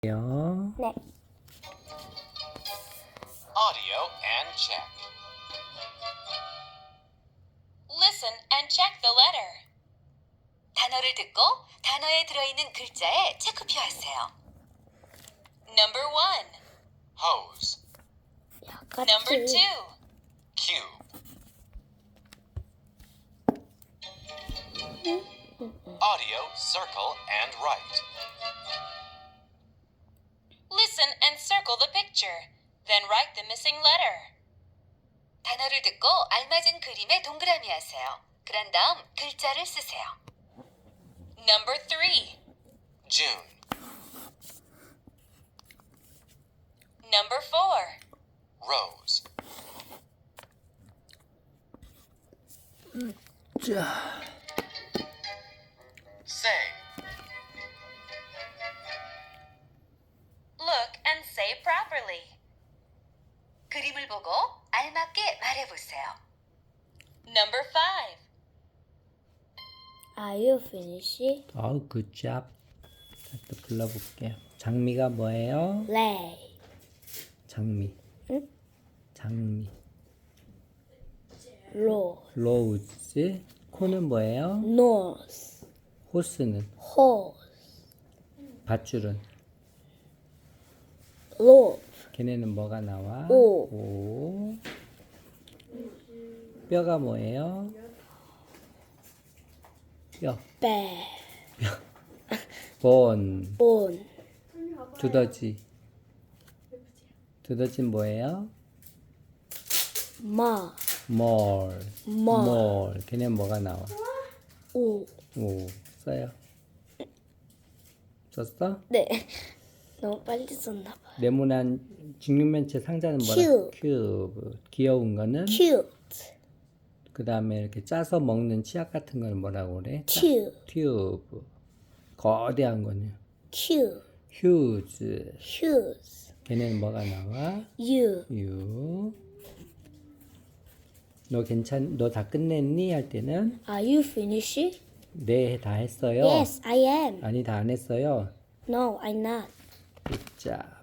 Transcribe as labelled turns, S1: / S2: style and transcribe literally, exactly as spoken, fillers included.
S1: 요.
S2: 네.
S3: Audio and check.
S4: Listen and check the letter. 단어를 듣고 단어에 들어있는 글자에 체크표하세요. Number one,
S3: Hose.
S2: 약같이.
S4: number two,
S3: Cube. Audio, circle, and write.
S4: listen and circle the picture. Then write the missing letter. 단어를 듣고 알맞은 그림에 동그라미 하세요. 그런 다음 글자를 쓰세요. Number three,
S3: June.
S4: number four,
S3: Rose.
S1: 자,
S3: Say.
S4: look and say properly. 그림을 보고 알맞게 말해보세요. Number five,
S2: Are you finished?
S1: 어우 굿잡. 자, 또 불러볼게요. 장미가 뭐예요?
S2: Lay.
S1: 장미.
S2: 응?
S1: 장미.
S2: Rose.
S1: 로우즈. 코는 뭐예요?
S2: Nose.
S1: 호스는.
S2: Horse.
S1: 밧줄은.
S2: Loaf.
S1: 걔네는 뭐가 나와?
S2: 오.
S1: 오. 뼈가 뭐예요? 뼈.
S2: Bear.
S1: 본.
S2: Bone.
S1: 두더지. 두더지는 뭐예요?
S2: Ma.
S1: 몰.
S2: 마.
S1: 몰. 걔네는 뭐가 나와?
S2: O.
S1: 오. 써요. 썼어?
S2: 네. 너무 빨리 썼나 봐.
S1: 네모난 직육면체 상자는 뭐라?
S2: 큐브.
S1: 큐브. 귀여운 거는?
S2: Cute.
S1: 그 다음에 이렇게 짜서 먹는 치약 같은 걸 뭐라고 그래? 짜-
S2: Cute.
S1: 튜브. 거대한 거는?
S2: Cute.
S1: 휴즈.
S2: Shoes.
S1: 걔네는 뭐가 나와?
S2: You.
S1: 유. 너 괜찮, 너 다 끝냈니? 할 때는
S2: Are you finished?
S1: 네, 다 했어요.
S2: Yes, I am.
S1: 아니, 다 안 했어요.
S2: No, I'm not.
S1: 자.